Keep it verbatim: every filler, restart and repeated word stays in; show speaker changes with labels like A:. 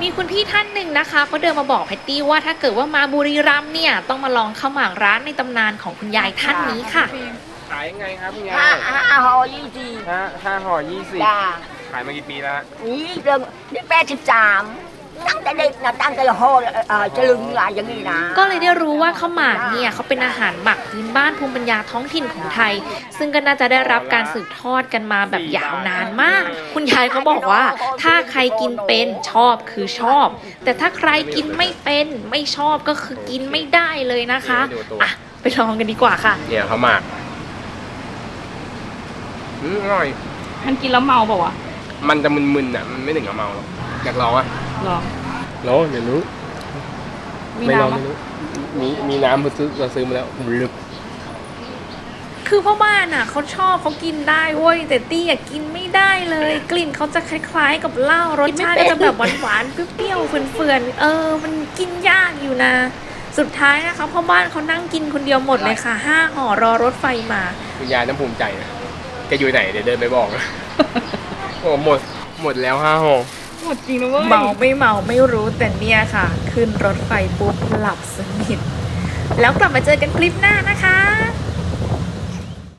A: มีคุณพี่ท่านหนึ่งนะคะเขาเดินมาบอกแพตตี้ว่าถ้าเกิดว่ามาบุรีรัมย์เนี่ยต้องมาลองข้าวหมากร้านในตำนานของคุณยายท่านนี้ค่ะ
B: ขายยังไงครับคุณยา
C: ห้าย ห้าห่อยี่สิบ
B: ห้าห้าห่อยี่สิบ
C: จ้า
B: ขายมากี่ปีแล้วฮะ
C: นี่เรื่องนี่แปดสิบสามตั้งแต่เด็กนะตั้งแต่ห่อเอ่อจะลึงอะไรอย่างนี้นะ
A: ก็เลยได้รู้ว่าข้าวหมากเนี่ยเขาเป็นอาหารหมักพื้นบ้านภูมิปัญญาท้องถิ่นของไทย ซึ่งก็น่าจะได้รับการสืบทอดกันมาแบบยาวนานมาก คุณยายเขาบอกว่าถ้าใครกินเป็นชอบคือชอบ แต่ถ้าใครกินไม่เป็นไม่ชอบก็คือกินไม่ได้เลยนะคะอ่ะไปลองกันดีกว่าค่ะ
B: เนี่ยเขาหมากอืมอร่อย
D: มันกินแล้วเมาเปล่าวะ
B: มันจะมึนๆอ่ะมันไม่ถึงกับเมาหรอกอยากลองอ่ะ
D: หรอ
B: ลองเดี๋ยวรู้
D: มี
B: ไม่ลอง
D: น้ำ
B: ไม่
D: มั้ย
B: รู้มีมีน้ำเราซื้อเราซื้อมาแล้วลึก
A: คือพ่อบ้านอ่ะเขาชอบเขากินได้เว้ยแต่ตี้อ่ะกินไม่ได้เลย กลิ่นเขาจะคล้ายๆ กับเหล้ารสชาติก็จะแบบหวานๆเปรี้ยวๆเฟื่อนๆเออมันกินยากอยู่นะ สุดท้ายนะคะพ่อบ้านเขานั่งกินคนเดียวหมดเลยค่ะห้าห่อรอรถไฟมา
B: คุณยายน้ำภูมิใจนะแกอยู่ไหนเดี๋ยวเดินไปบอกนะ โอ้หมดหมดแล้วห้าห่อ
D: หมดจริงนะเว้ย
A: เมาไม่เมาไม่รู้แต่เนี่ยค่ะ ขึ้นรถไฟปุ๊บหลับสนิทแล้วกลับมาเจอกันคลิปหน้านะคะ